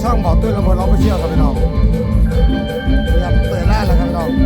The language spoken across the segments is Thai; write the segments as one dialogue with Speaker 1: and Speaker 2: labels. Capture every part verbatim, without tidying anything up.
Speaker 1: ช่องบอกตุ้ยระเบิดร้องไปเชี่ยวครับพี่น้องนี่ครับเตยล่าแล้วครับพี่น้อง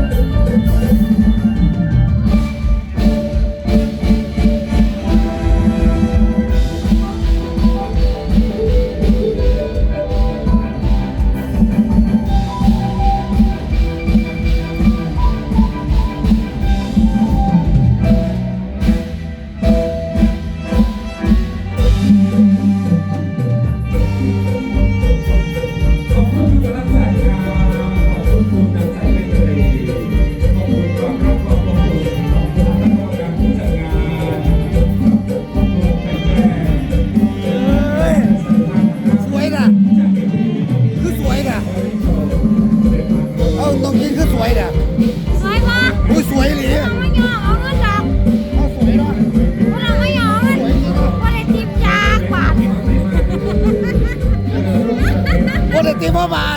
Speaker 1: ตีพ่อบาท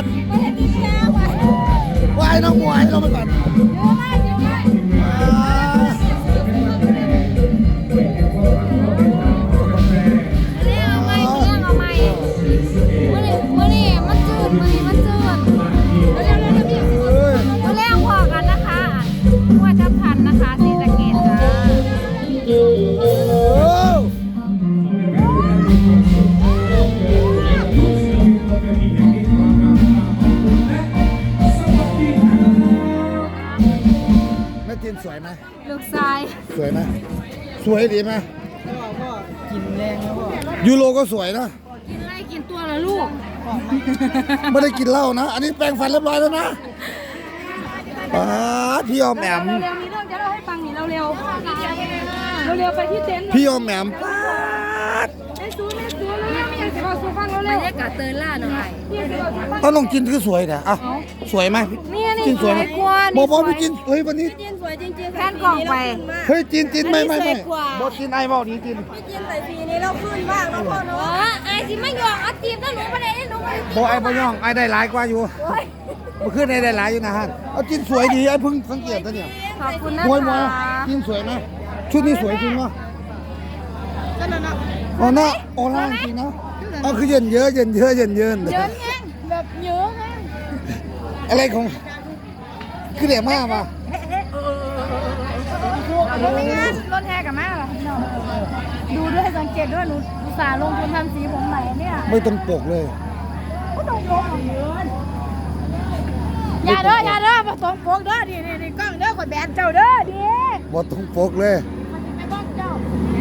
Speaker 1: ว่ายน้องมวยเราไปก่อนสวยไหมลูกชายสวยไหมสวยดีไหมพ่อกินแรงแล้วพ่อยูโรก็สวยนะกินอะไรกินตัวละลูกไม่ได้กินเหล้านะอันนี้แปรงฟันเรียบร้อยแล้วนะป้าพี่ออมแอม
Speaker 2: เร็วๆมีเรื่องจะเล่าให้ฟังนี่เร็วๆเร็วๆไปที่เต็นท์
Speaker 1: พี่ออมแอมป้า
Speaker 2: ไม่ซู้ไม่ซู้เลยไม่อยากจะมาซู้ฟังเร็วๆบรรยากาศเตือนล่าหน่อย
Speaker 1: ต้องลองกินคือสวยเนี่ยอ่ะสวยไหมกินสวยไหมบอกบอกพี่กินเฮ้ยวันนี้
Speaker 2: จินสวยจริงๆแทนกล่องไป
Speaker 1: เฮ้ยจินจินไม่ไม่ไม่บอกจินไอ้บอกนี้จิน
Speaker 2: พี่จินใส่ปีนี้เราขึ้นบ้างแล้วพ่อเนาะไอ้สิไม่ยอมเอาจีบถ้าหนูไม่ได้หนู
Speaker 1: บอกไอ้พ่ย่องไอ้ได้หลายกว่าอยู่เมื่อคืนไอ้ได้หลายอยู่นะฮะเอาจินสวยดีไอ้เพิ่งสังเกตตัวเนี่ย
Speaker 2: ขอบคุณนะคะ
Speaker 1: จินสวยไหมชุดนี้สวยจริงเนาะอ๋อเนาะโอล่าจริงเนาะอ๋อคือเย็นเยอะเย็นเยอะเย็นเยิน
Speaker 2: เยินแห้งแบบเยอะแห้ง
Speaker 1: อะไรของคือเดี๋ยวมากป่ะ
Speaker 2: รถงานรถแห่กับแม่เหรอดูด้วยสังเกตด้วยหนูอุตส่าห์ลงทุนทำสีผมใหม่เนี่ย
Speaker 1: ไม่ต้องปกเลย
Speaker 2: ก็ต้องปกของเยินอย่าเด้ออย่าเด้อมาต้องปกเด้อดิดิกล้องเด้อขอแบนเจ้าเด้อดิ
Speaker 1: บ่ต้องปกเลย
Speaker 2: ไอ้บ้องเจ้า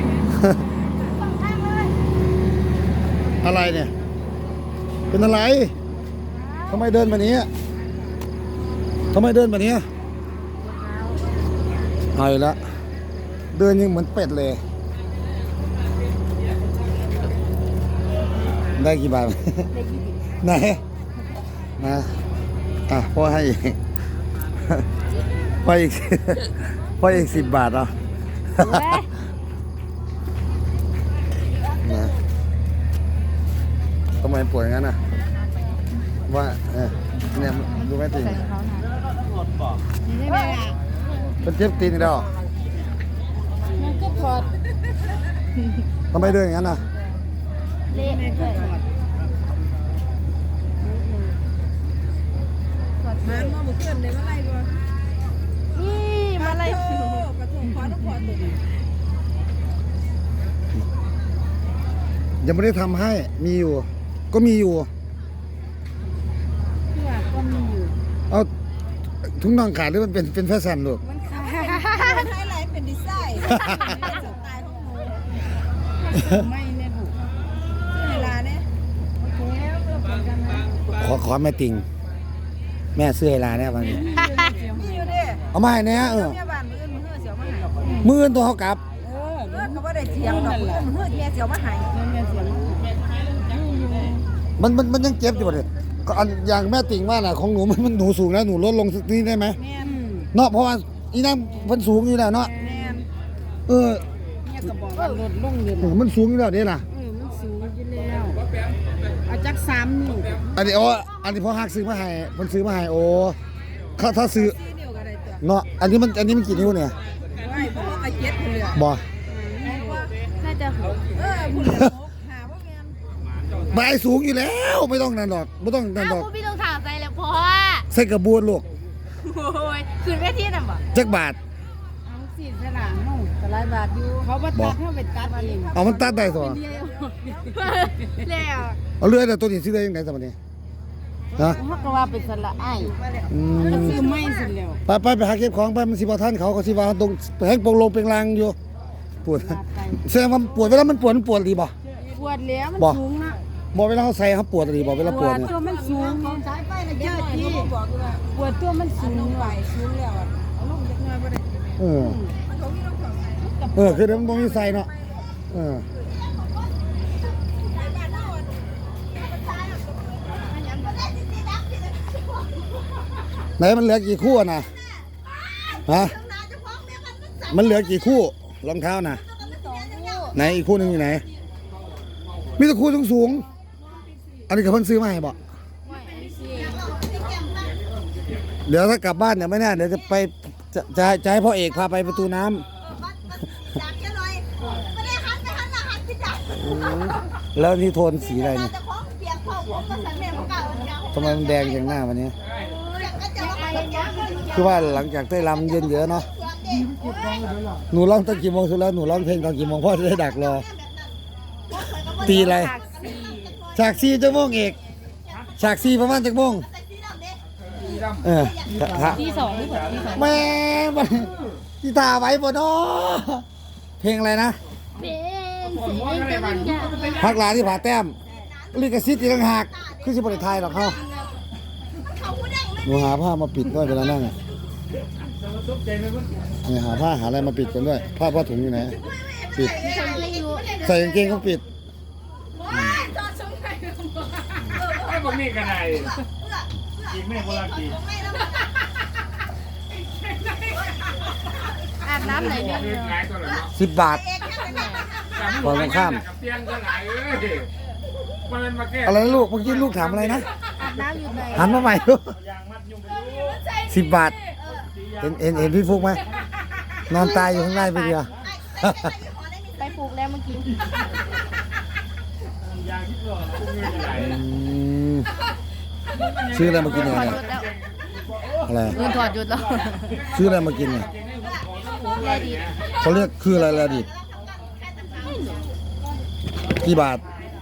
Speaker 1: อะไรเนี่ยเป็นอะไรทำไมเดินแบบนี้ทำไมเดินแบบนี้เอาอีกแล้วเดินยังเหมือนเป็ดเลยได้กี่บาทไหนนะอ่ะพ่อให้อีกพ่ออีกพ่ออีกสิบบาทเหรอทำไมป่วยงั้นน่ะว่าเนี่ยดูไม่ติดเป็นเจ็บตีนอีกแล้ว
Speaker 2: มันก็ถอด
Speaker 1: ทำไมเดินอย่างนั้นน่ะ
Speaker 2: เละเลยมามาบุกเกินเลยมาไล่ด้วยนี่มาไล่กระทงคว้าต้องคว้าตัว
Speaker 1: ยังไม่ได้ทำให้มีอยู่ก็มีอยู่
Speaker 2: ก็มีอยู่
Speaker 1: เอาถุงน่องขาดหรือมันเป็นเป็นแฟชั่นลูก
Speaker 2: มันขาดมันให้อะไรเป็นดีไซน์เป็นสไตล์ของหนูไม่เนี่ยบุเวลาเนี่ย
Speaker 1: ขอขอแม่ติงแม่เสื้อเวลาเนี่ยวันนี้
Speaker 2: มีอยู่ดิ
Speaker 1: เอามาให้เนี่ยเออมือตัวเขากลับ
Speaker 2: เออเขาว่าได้เสียงดอกมือเมียเสียวมาหายเมียเสียว
Speaker 1: มันมันมันยังเจ็บอยู่เลยก็อันอย่างแม่ติ่งว่าน่ะของหนูมันมันหนูสูงแล้วหนูลดลงสักนิดได้ไหมเนาะเพราะว่าอีนั่งมันสูงอยู่แล้วเนาะเออ
Speaker 2: เนี่ยก็บอกว่าลดลงเลย
Speaker 1: มันสูงอยู่แล้วเนี่ยนะ
Speaker 2: เออมันสูงอยู่แล้วเอาจักสามนิ้ว
Speaker 1: อันนี้โอ้อันนี้พ่อฮักซื้อมาให้มันซื้อมาให้โอ้ถ้าถ้าซื้อเนาะอันนี้มันอันนี้มันกี่นิ้วเนี่ย
Speaker 2: บ่น่าจะหกเออคุณหกหาพวกแมน
Speaker 1: บายสูงอยู่แล้วไม่ต้องนั่นหรอกไม่ต้องนั่นหรอก
Speaker 3: อ้าวพี่ต้องถามใจแล้วพ่อ
Speaker 1: ใส่กระบวนลูก
Speaker 3: โอ้ยคืนเวทีน่ะบ่
Speaker 1: จักบาท
Speaker 2: เอาสี่สนามนู่นแต่หลายบาทอยู่เขาบัตัดเขาไปตัดเอง
Speaker 1: เอามันตัดได้สิ
Speaker 3: แล้ว
Speaker 1: เอาเรือแต่ตัวนี้ซื้อได้ยังไงสมัยนี้ฮะ
Speaker 2: เขาก็ว่าเป็นสละไอ้
Speaker 1: อื
Speaker 2: ก็
Speaker 1: ม
Speaker 2: ซื้อไม่สิแล้ว
Speaker 1: ไปไปไปหาเก็บของไปมันสิบท่านเขาเขาสิว่าตรงแห้งโปงลงเป็นรางอยู่ปวดแสดงว่าปวดเวลามันปวดมันปวดดีบ่
Speaker 2: ปวดแล้วมัน
Speaker 1: บ่
Speaker 2: สูงนะ
Speaker 1: บอกเวลาเขาใส่เขาปวดดีบ่เวลาปวดเนี่ย
Speaker 2: ตัวมันสูงสายไฟระยะที่ปวดตัวมันสูงไหวสูงแล้วเอาลงจากเงินไปเลย
Speaker 1: เออเออคือเดี๋ยวมันต้องมีใส่เนาะเออไหนมันเหลือกี่คู่อะนะฮะมันเหลือกี่คู่รองเท้านะไหนอีกคู่หนึงอยู่ไหนมีแต่คู่สูงๆอันนี้กับเพิ่นซื้อมาให้บอกเดี๋ยวถ้ากลับบ้านเนี่ยไม่แน่เดี๋ยวจะไปจะจะให้จะให้พ่อเอกพาไปประตูน้ำแล้วนี่โทนสีอะไรเนี่ยทำไมมันแดงอย่างหน้าวันนี้คือว่าหลังจากเต้ยรำเย็นเยอะเนาะหนูร้องตั้งกี่โมงสุดแล้วหนูร้องเพลงตอนกี่โมงพ่อจะได้ดักรอตีอะไรฉากซีจะโมงเอกฉากซีประมาณจะโมงเออ
Speaker 3: ที่สองหรือเปล่าที่สอง
Speaker 1: แม่มันที่ตาไว้บนเนาะเพลงอะไรนะ
Speaker 3: เป็นสีเป็นวิญญาณ
Speaker 1: พักหลาที่ผาแต้มลิขสิทธิ์อีกต่างหากคือสิบริไทยหรอกเขาหนูหาผ้ามาปิดด้วยเวลานั่งเนี่ยหาผ้าหาอะไรมาปิดกันด้วยผ้าผ้าถุงอยู่ไหนปิดใส่กางเกงก็ปิด
Speaker 4: ไอ้พวกนี้กันไหนกินไม่โบราณกิน
Speaker 3: อาบน้ำไหนเนี่ย
Speaker 4: หลายตัวเลยเนาะ
Speaker 1: สิบบาท ก่อนตรงข้าม
Speaker 4: เตียงก็หลายเอ้ยมันเป็นมาแก้
Speaker 1: อะไรนะลูกเมื่อกี้ลูกถามอะไรนะ
Speaker 3: อาบน้ำอยู่ไหน
Speaker 1: หันมาใหม่ลูกสิบบาทเห็นเห็นเห็นพี่ฟุกไหมนอนตายอยู่ข้างในไปเดียว
Speaker 3: ไปปลูกแล้วเมื่อกี้
Speaker 1: อืมซื้ออะไรมากินเนี่ย
Speaker 3: ถอดหยุดแล้ว
Speaker 1: อะไร
Speaker 3: เงินถอดหยุดแล้ว
Speaker 1: ซื้ออะไรมากินเนี่ย
Speaker 3: แลดี
Speaker 1: เขาเรียกคืออะไรละดิกี่บาท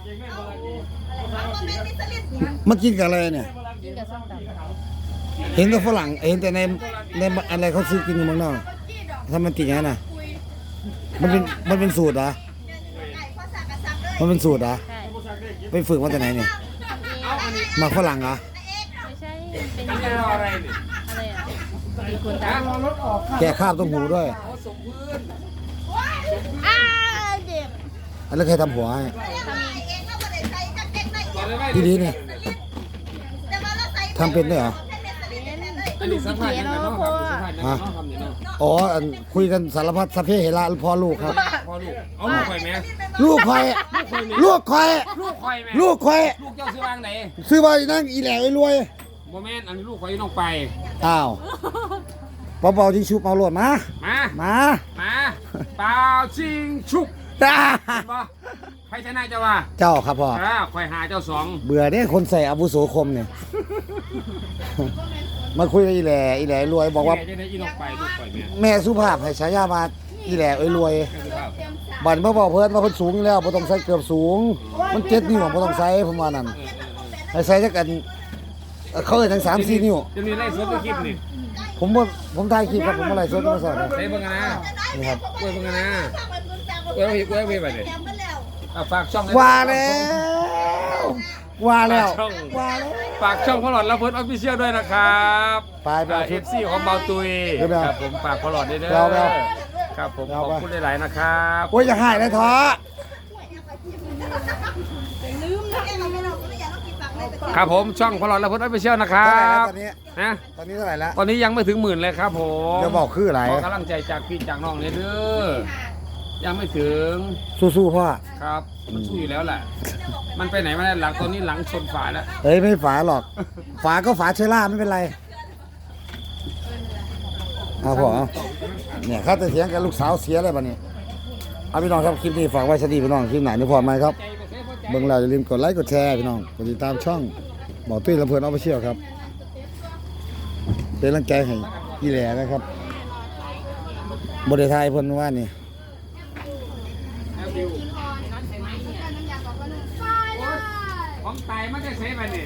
Speaker 1: มากินกับอะไรเนี่ย
Speaker 3: กินกับส้มตำ
Speaker 1: เห็นแต่ฝรั่งเห็นแต่ในในอะไรเขาซื้อกินอยู่เมืองนอกถ้ามันติดอย่างนั้นน่ะมันเป็นมันเป็นสูตรเหรอมันเป็นสูตรเหรอ
Speaker 3: ใช่
Speaker 1: ไปฝึกมาจากไหนเนี่ยมาฝรั่งเหรอ
Speaker 3: ไม่ใช่เป็น
Speaker 4: มัน
Speaker 3: ยา
Speaker 4: เป็นอะไรนี่
Speaker 3: อะไรอ่ะมีคนตาม
Speaker 1: แกะคาบต้องหูด้วย
Speaker 3: อ้าเจ็บ
Speaker 1: แล้วใครทำหัวให้
Speaker 3: ทำเอง
Speaker 1: พี่ดีนี่ทำเป็นด้วยเหรอ
Speaker 3: กระดูกสีเขียวเนาะพ่อ
Speaker 1: ฮะอ๋ออันคุยกันสารพัดสัพเพเหระพ่อลูกครับ
Speaker 4: พอลูกเอาลูกไปไหม
Speaker 1: ลูกคอยลูกคอย
Speaker 4: ลูกคอยไหม
Speaker 1: ลูกคอย
Speaker 4: ลูกเจ้าซื้อวางไหน
Speaker 1: ซื้อมาอีนั่งอีแหล่ไอ้รวย
Speaker 4: โมเมนต์อันนี้ลูกคอยน้องไป
Speaker 1: อ้าวเบาๆที่ชุบเอาโหลดมา
Speaker 4: มา
Speaker 1: มา
Speaker 4: มาเปล่าชิงชุก
Speaker 1: จ้า
Speaker 4: เห็นปะใครชนะเจ้าว่า
Speaker 1: เจ้าครับพ่อ
Speaker 4: อ่าคอยหาเจ้าสอง
Speaker 1: เบื่อเนี่ยคนใส่อาวุโสคมเนี่ย มาคุยกับอีแหล่อีแหล่รวยบอกว่า
Speaker 4: แม่จะได้อีน้องไปลูกคอยแม่
Speaker 1: แม่สุภาพให้ฉายามาอีแหล่ไอ้รวยบันเมื่อบอกเพิ่นว่าเพิ่นสูงอยู่แล้วบ่ต้องใส่เกือบสูง มันเจ็ดนิ้วบ่ต้องใส่ผมว่านั่นให้ใส่จักกันเอ่อเขาเอิ้นทั้งสามสี่นิ้ว
Speaker 4: จะมีไล่สดตัวคลิปนี่
Speaker 1: ผมบ่ผมถ่ายคลิปครับผมบ่ไลฟ์สดมาสอน
Speaker 4: ใส่เบิ่งกันนะ
Speaker 1: นี่ครับ
Speaker 4: กล้วยเบิ่งกันนะกล้วยกล้วยกล้วยไปเลยอ่ะฝากช่อง
Speaker 1: ว่าแล้วว่าแล้วว่าแล้ว
Speaker 4: ฝากช่องพอหลอดละเพิร์ดออฟฟิเชียลด้วยนะครับ
Speaker 1: ไปไปเอา
Speaker 4: เอ
Speaker 1: ชุด
Speaker 4: ฟซีของเบาตุย
Speaker 1: เดี๋ยวไปเอา
Speaker 4: ครับผมฝากพอหลอดด้วยเด้
Speaker 1: ไปเอาไป
Speaker 4: อ
Speaker 1: เอา
Speaker 4: ครับผม
Speaker 1: ไป
Speaker 4: ข
Speaker 1: เอา
Speaker 4: อบ
Speaker 1: ไป
Speaker 4: คุณหลายๆนะครับ
Speaker 1: โอ้ยอย่าหายเลยท้อ
Speaker 4: ครับผมช่องพอหลอดละเพิร์ดออฟฟิเชียลนะครั
Speaker 1: เท่าไหร่แล้ว
Speaker 4: บ
Speaker 1: ตอนนี้
Speaker 4: นะ
Speaker 1: ตอนนี้เท่าไหร่แล้ว
Speaker 4: ตอนนี้ยังไม่ถึงหมื่นเลยครับผม
Speaker 1: เดี๋ยวบอกคืออะไร
Speaker 4: ขอกำลังใจจากพี่จากน้องเลยเด้อยังไม่ถึง
Speaker 1: สู้ๆพ่อ
Speaker 4: ครับมันสู้อยู่แล้วแหละมันไปไหนไม่ได้หลังตอนนี้หลังชนฝาแล้ว
Speaker 1: เฮ้ยไม่ฝาหรอก ฝาก็ฝาเชอร่าไม่เป็นไรเอาพ่อเอาเนี่ยข้าจะเถียงกับลูกสาวเสียอะไรบ้านี้เอาพี่น้องครับคลิปนี้ฝากไว้สวัสดีพี่น้องคลิปไหนนี่พอไหมครับ
Speaker 4: ใจบ่เคยพอใจ
Speaker 1: เบิ่งแล้วอย่าลืมกดไลค์กดแชร์พี่น้องกดติดตามช่องหมอตุ้ยลำเพลินออฟฟิเชียลครับเป็นกำลังใจให้อีแหล่นะครับบริไทยเพิ่นว่านี่
Speaker 4: ของตายมันจะใช้ไปนี่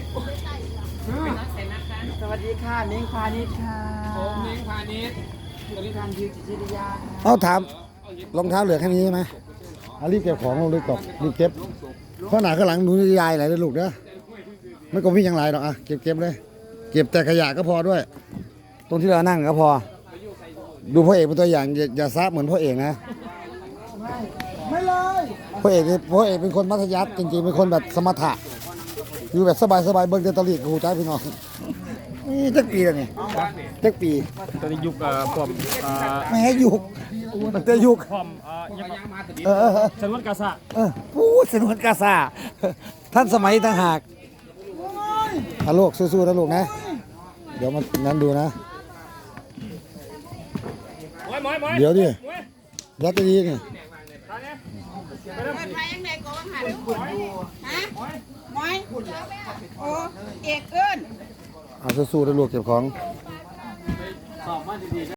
Speaker 5: สวัสดีค่ะเม้งพาณิชย์ค่ะ
Speaker 4: ผมเลี้ยงพาณิชย์
Speaker 5: บริการยืนจิตวิทยา
Speaker 1: เอาถามรองเท้าเหลือแค่นี้ใช่ไหมเอารีบเก็บของลงรีบกบรีบเก็บข้างหน้าข้างหลังหนูยายไหลเลยลูกเด้อไม่ก็มีอย่างไรหรอกอ่ะเก็บเก็บเลย เก็บแต่ขยะก็พอด้วย ตรงที่เรานั่งก็พอ ดูพ่อเอกเป็นตัวอย่างอย่าอย่าซับเหมือนพ่อเอกนะไม่เลยพ่อเอกนี่พ่อเอกเป็นคนมัธยัสถ์จริงๆเป็นคนแบบสมถะอยู่แบบสบายๆเบิ่งเดตลีกับหูใจพี่น้องนี่จักปีแล้วนี่จักปี
Speaker 4: ตอนนี้ยุคเอ่อผมเอ่อ
Speaker 1: ไม่ให้ยุกมันจะยุก
Speaker 4: ผมเอ่อยังมาตัวนี้
Speaker 1: เออเออเออ
Speaker 4: ชนวนกาซะ
Speaker 1: เออพูดสนวนกาซาท่านสมัยต่างหากฮัลโหลสู้ๆนะลูกนะ เดี๋ยวมันนั้นดูนะ
Speaker 4: มวยมวยมวย
Speaker 1: เดี๋ยวดิรัตดีนี่
Speaker 2: เปิดไฟยังไงก็ว่าหันฮะมอยโอ้เอกเอิ้น
Speaker 1: เอาสู้ๆนะลูกเก็บของ
Speaker 4: สอบมาดีๆ